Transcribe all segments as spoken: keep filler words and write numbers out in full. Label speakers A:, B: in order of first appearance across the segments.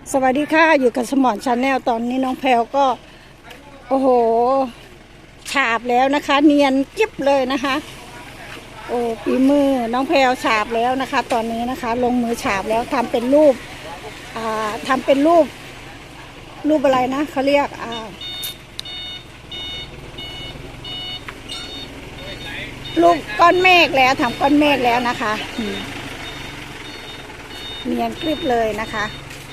A: สวัสดีค่ะอยู่กับสมอนชาแนลตอนนี้น้องแพลวก็โอ้โหฉาบแล้วนะคะเนียนกิ๊บเลยนะคะโอ้ปีมือน้องแพลวฉาบแล้วนะคะตอนนี้นะคะลงมือฉาบแล้วทำเป็นรูปอ่าทำเป็นรูปรูปอะไรนะเขาเรียกอ่ารูปก้อนเมฆแล้วทำก้อนเมฆแล้วนะคะเนียนกริบเลยนะคะ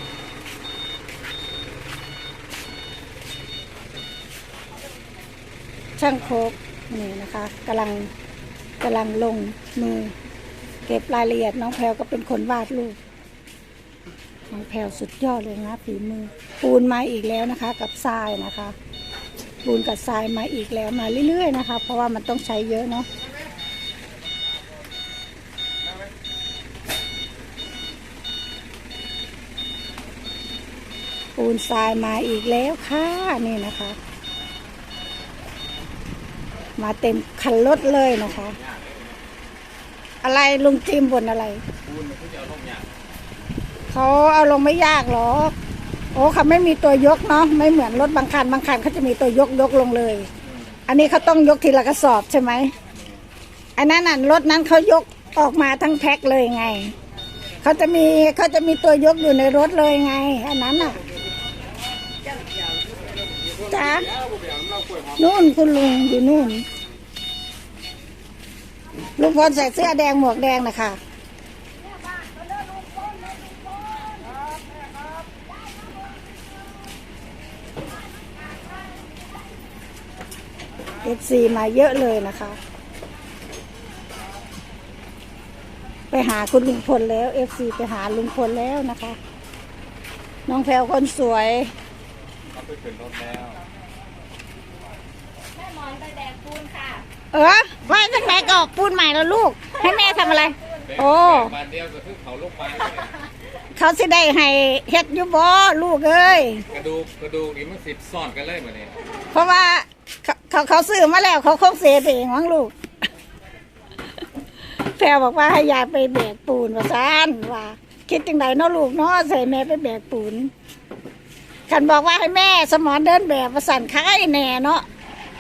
A: ช่างโคกนี่นะคะกำลังกำลังลงมือเก็บรายละเอียดน้องแพลวก็เป็นคนวาดรูปน้องแพลวสุดยอดเลยนะฝีมือปูนมาอีกแล้วนะคะกับทรายนะคะปูนกับทรายมาอีกแล้วมาเรื่อยๆนะคะเพราะว่ามันต้องใช้เยอะเนาะปูนทรายมาอีกแล้วค่ะนี่นะคะมาเต็มคันรถเลยนะคะอะไรลุงจิมบ่นอะไรเขาเอาลงไม่ยากหรอกโอ้เขาไม่มีตัวยกเนาะไม่เหมือนรถบางคันบางคันเขาจะมีตัวยกยกลงเลยอันนี้เขาต้องยกทีละกระสอบใช่ไหมอันนั้นน่ะรถนั้นเขายกออกมาทั้งแพ็คเลยไงเขาจะมีเขาจะมีตัวยกอยู่ในรถเลยไงอันนั้นน่ะจ้านู่นคุณลุงอยู่นู่นลุงพลใส่เสื้อแดงหมวกแดงนะคะเอฟซีมาเยอะเลยนะคะไปหาคุณลุงพลแล้วเอฟซีไปหาลุงพลแล้วนะคะน้องแพลวคนสวย
B: เขาไปขึ้นรถแล้ว
C: แม่หมอนไปแบกปูนค่ะ
A: เออว่าจะแม่ก็ปูนใหม่แล้วลูกให้แม่ทำอะไรโอ้
B: มาเดียวก็คือเขาลงมา
A: เขาสิได้ให้เฮ็ดอยู่บ่ลูกเอ้ย
B: กระดูกกระดูกนี่มันสิบซ่อนกันเลยมาเนี่ย
A: เพราะว่าเขาเขาเขาซื้อมาแล้วเขาคงเสียเองมั้งลูกแพรบอกว่าให้ยายไปแบกปูนว่าซ่านว่าคิดจังไดเนาะลูกเนาะใส่แม่ไปแบกปูนฉันบอกว่าให้แม่สมอนเดินแบบว่าสั่นค้ายแน่เนาะ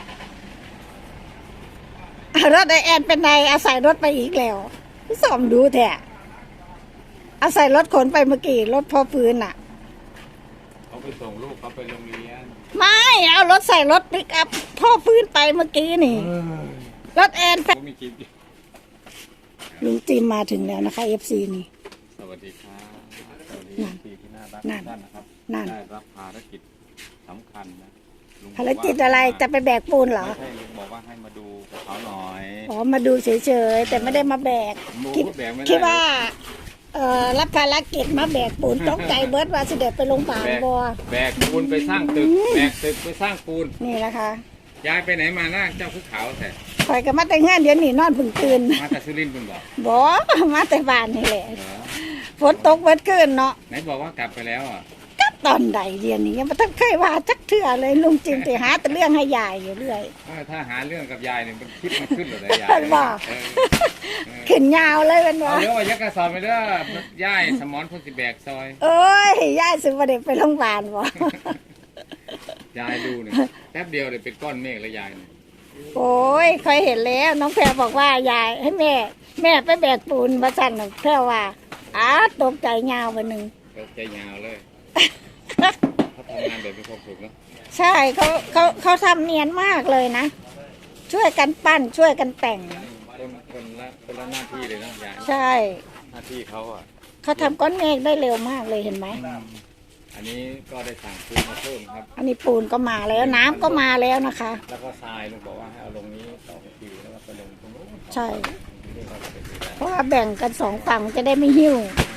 A: รถไอแอนเป็นไงอาศัยรถไปอีกแล้วสอมดูแท้อาศัยรถขนไปเมื่อกี้รถพ่อฟื้นอ่ะ
B: เขาไปส่งลูกเขาไปโรงเรียน
A: ไม่เอารถใส่รถปิกอัพพ่อฟื้นไปเมื่อกี้นี่รถแอน
B: มีคลิป
A: ลุงจิมมาถึงแล้วนะคะเอฟซีนี่
B: สวัสดีครับสวัสดีที่ที่น่ารักท่านนะครับได้รับภารกิจสำคัญนะ
A: ภารกิจอะไรจะไปแบกปูนเหรอ
B: ไม่ใช่ลุงบอกว่าให้มาดูเขาหน่อย
A: อ๋อมาดูเฉยๆแต่ไม่ได้มาแบกคิดคิดว่าเอ่อรับภารกิจมาแบกปูนต้องใจเบิร์ดว่าสิเด็ดไปลงป่าบัว
B: แบกปูนไปสร้างตึกแบกตึกไปสร้างปูน
A: นี่แหละค่ะ
B: ยายไปไหนมาหน้าเจ้าภูเขาแต่
A: คอยกับมาแต่งานเดี๋ยวนี้นอนพึ่งตื่น
B: มาแต่สุรินทร์คุณบอก
A: บ่มาแต่บ้านนี่แหละฝนตกเบิดคืนเนาะ
B: ไหนบอกว่ากลับไปแล้วอ่ะ
A: กลับตอนใดเดี๋ยวนี้ยังไม่ต้องเคยว่าจักเถื่อเลยลุงจิมแต่หาแต่เรื่องให้ยายอยู่เรื่อย
B: ถ้าหาเรื่องกับยายเนี่ยมันคิดมันขึ้นเลยยาย
A: บอกขึ้นยาวเลยเป็นว่า
B: เดี๋ยวว่ายักษ์กระสอบไปเด้อย่ายสมอนพุทธิแบกซอย
A: เอ้ยยายซื้อมาเด็กไปโรงพยาบาลบ่
B: ยายดูเนี่ยแป๊บเดียวเลยเป็นก้อนเมฆแล้วยายเนี่ย
A: โอ้ยเคยเห็นแล้วน้องแพรบอกว่ายายให้แม่แม่ไปแบกปูนมาสั่นแพรว่าอ้าตกใจยาววันหนึ่ง
B: ตกใจยาวเลยเขาทำงานแบบมีความสุขเนาะ
A: ใช่เขาเขาเขาทำเนียนมากเลยนะช่วยกันปั้นช่วยกันแต่ง
B: คนคนละคนละหน้าที่เลยนะยาย
A: ใช่
B: หน้าที่เขาอ่ะ
A: เขาทำก้อนเมฆได้เร็วมากเลยเห็นไหม
B: อันนี้ก็ได้สั่งปูนมาเพิ่มครับ
A: อันนี้ปูนก็มาแล้วน้ำก็มาแล้วนะคะ
B: แล้วก็ทรายลุงบอกว่าให้เอาลงนี้สองทีแล้วก็ไปลงตรงนู้น
A: ใช่เพราะว่าแบ่งกันสองฝั่งจะได้ไม่หิ้ว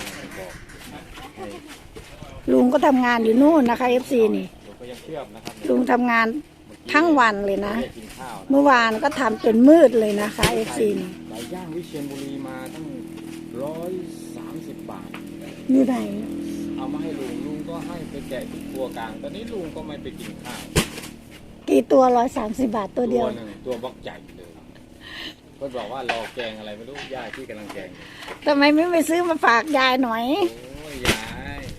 A: ลุงก็ทำงานอยู่นู่นนะคะเอฟซีนี่ลุงทำงานทั้งวันเลยนะเมื่อวานก็ทำจนมืดเลยนะคะเอฟซีนี่
B: ไก่ย่างวิเชียรบุรีมาตั้งร้อยสามสิบบาท
A: อยู่ไหน
B: เอามาให้ลุงลุงก็ให้ไปแกะที่ตัวกลางตอนนี้ลุงก็ไม่ไปกินข้าว
A: กี่ตัวร้อยสามสิบบาทตัวเดียว
B: ตัวหนึ่งตัวบล็อกใหญ่เลยก็บอกว่ารอแกงอะไรไม่รู้ย่าที่กำลังแกง
A: ทำไมไม่ไปซื้อมาฝากยายหน่อย
B: โอ้ยยาย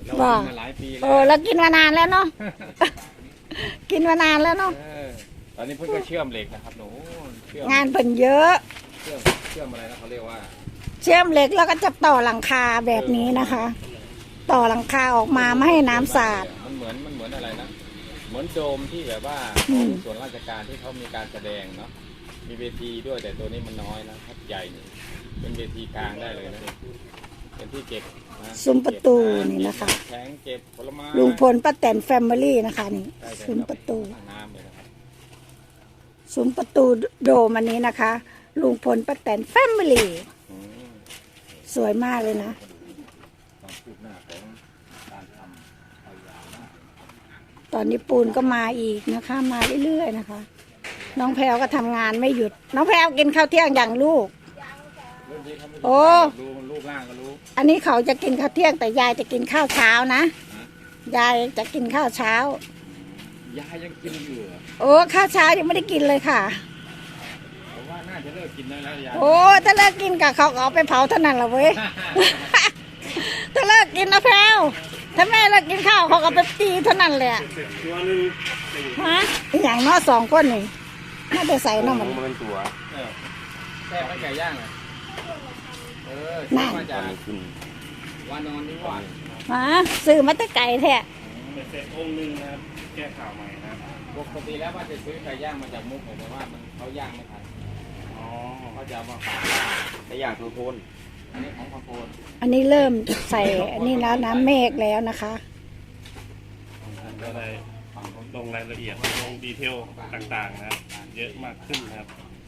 B: เรา
A: ว่า
B: กินมาหลายปีแล้
A: เอ
B: ว
A: อแล้วกินมานานแล้วเนาะ กินมานานแล้วเนาะ
B: เออตอนนี้เพิ่งก็เชื่อมเหล็กนะครับหนูเชื่อม
A: งานเพิ่นเยอะ
B: เชื่อมเชื่อมอะไรนะเขาเรียกว่า
A: เชื่อมเหล็กแล้วก็จะต่อหลังคาแบบนี้นะคะ ต่อหลังคาออกมาไม่ให้น้ำสาด
B: มันเหมือนมันเหมือนอะไรนะเหมือนโดมที่แบบว่า
A: อื
B: ของ
A: ม
B: ส่วนราชการที่เขามีการแสดงเนาะมีเวทีด้วยแต่ตัวนี้มันน้อยนะครับใหญ่นี่เป็นเวทีกลางได้เลยนะเป็นที่เก็บนะ
A: ซุ้มประตูนี่นะคะ
B: เก็บแข็งเก็บผลไม้
A: ลุงพลป้าแตนแฟมิลี่นะคะนี่
B: ได้แต่
A: ซุ้มประตู
B: น้ำเลยนะครับ
A: ซุ้มประตูโดมอันนี้นะคะ ลุงพลป้าแตนแฟมิลี่
B: อืม
A: สวยมากเลยนะ
B: ความคืบหน้าของการทำเอายาวมาก
A: ตอนนี้ปูนก็มาอีกนะคะ มาเรื่อยๆนะคะ น้องแพรวก็ทำงานไม่หยุด น้องแพรวกินข้าวเที่ยงอย่างลูก
B: รุ่นนี้เขาไม่
A: โอ้
B: ดูมันรูปร่างก็รู้
A: อันนี้เขาจะกินข้าวเที่ยงแต่ยายจะกินข้าวเช้านะ
B: ฮะ
A: ยายจะกินข้าวเช้า
B: ยายยังกินอยู่เหรอ
A: โอ้ข้าวเช้ายังไม่ได้กินเลยค่ะ
B: ผมว่าน่าจะเลิกกินได้แล้วยาย
A: โอ้ถ้าเลิกกินกับเขาก็เอาไปเผาเท่านั้นแหละเว้ย ถ้าเลิกกินนะแพรวถ้าแม่เลิกกินข้าวเขาก็ไปตีเท่านั้นแหละ
C: ตัวหนึง
A: ฮะอหย่างน้อสองคนนี่น่าจะใส่น้ำมัน
C: มันเป็นตัว
B: เออแค่ไม่ไก่ย่างอ่ะเออ
A: นั่น
B: มา
C: ตอ
B: จาก
C: นนี้ขึ้น
B: วานอนนิวาส
A: ฮะซื้อมาแต่ไก่แท้
C: เป็นเศษองค์หนึ่งนะครับแก้ข่าวใหม่นะครับ
B: ปกติแล้วว่าจะซื้อไก่ย่างมาจากมุกแต่ว่ามันเขาย่างไม่ทัน
C: อ๋อ
B: เขาจะเอามาฝาก
C: ไอ้อย่างคือโคน
B: อันนี้ของพระโพน
A: อันนี้เริ่มใส่อันนี้แล้วน้ำเมฆแล้วนะคะ
C: ก็เลยลงรายละเอียดลงดีเทลต่างๆนะครับเยอะมากขึ้นนะครับ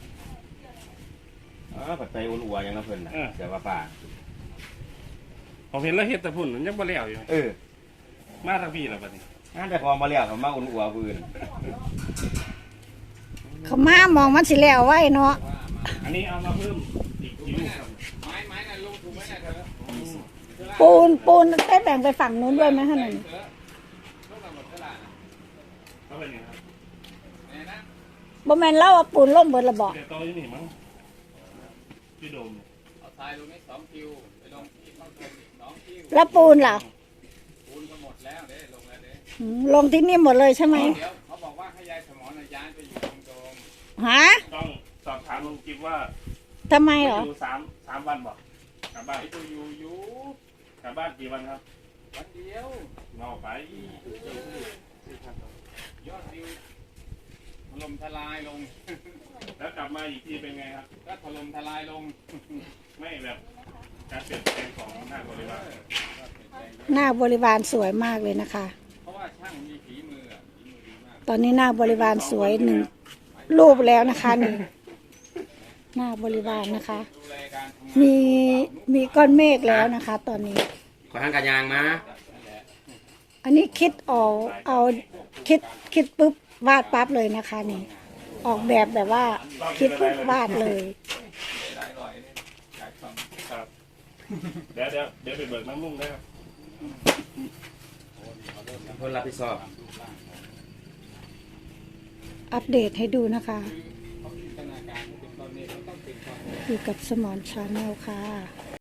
D: เออผัดไทยอุ่นอัวยังน้ำเพลินนะ
C: เออ
D: เดี๋ยวว่าป่า
C: ผมเห็นแล้วเห็ดแต่พุ่นมันยังบ่แล้วอยู่
D: เออ
C: มาทางพี่แล้วบัดนี้
D: งานแต่พอมาเลี้ยวเขามาอุ่นอัวพื้น
A: เขามามองมันสิแล้วไว้เนาะ
C: อันนี้เอามาเพิ่มอีกคิวครับ
B: ไม้ไม้น่ะลงถูกไหมน่ะเธอ
A: ปูนปูนได้แบ่งไปฝั่งนู้นด้วยไหมฮะนั่น
B: เธอลูกตำรวจตลาดน่ะ
C: เขาเป็นยังไงครับ
B: ไหนนะ
A: บ่แม่นเล่าว่าปูนล่มเบิดระบอก
C: แต่โตอยู่นี่มั้งพี่โดมเนี่ย
B: เอาทรายลงนี้สองคิวไปลงที่ข้าวต้มอีกสองคิว
A: แล้วปูนล่ะ
B: ปูนก็หมดแล้วเด้ลงแล้วเด้
A: อืมลงที่นี่หมดเลยใช่ไหม
B: เดี๋ยวเขาบอกว่าให้ยายสมรน่ะย้ายไปอยู่ตรงโดม
A: ฮะ
C: ต้องสอบถามลุงกิฟว่า
A: ทำไม
C: ไป
A: เหรอ
C: อยู่สามสามวันบอกกลับบ้าน
B: ไปดูอยู่อยู่
C: กลับบ้านกี่วันครับ
B: วันเดียว
C: นอกไป
B: ยอดวิวถล่มทลายลง
C: แล้วกลับมาอีกทีเป็นไงครับ
B: ก็ถล่มทลายลง
C: ไม่แบบการเปลี่ยนแปลงของหน้าบริวาร
A: หน้าบริวารสวยมากเลยนะคะ
B: เพราะว่าช่างมีฝีมืออะฝีมือดีมาก
A: ตอนนี้หน้าบริวารสวยหนึ่งรูปแล้วนะคะนี่หน้าบริวารนะคะ
B: ดูแลการทำงาน
A: มีมีก้อนเมฆแล้วนะคะ ตอนนี้
D: ขอทางการยางมา
A: อันนี้คิดออกเอาคิดคิดปุ๊บวาดปั๊บเลยนะคะนี่ ออกแบบแบบว่าคิดปุ๊บวาดเลย
B: ได้อร่อยเนี่ยอยากฟัง
C: ครับ เดี๋ยวเดี๋ยวเดี๋ยวไปเบิกน้ำมุ่งได้ครับ
D: คนรับผิดชอบ
A: อัปเดตให้ดูนะคะ
B: เขาจินตนาการให้เป็นตอนนี้เขาต้องเป็นความ
A: อยู่กับสมอนชาแนลค่ะ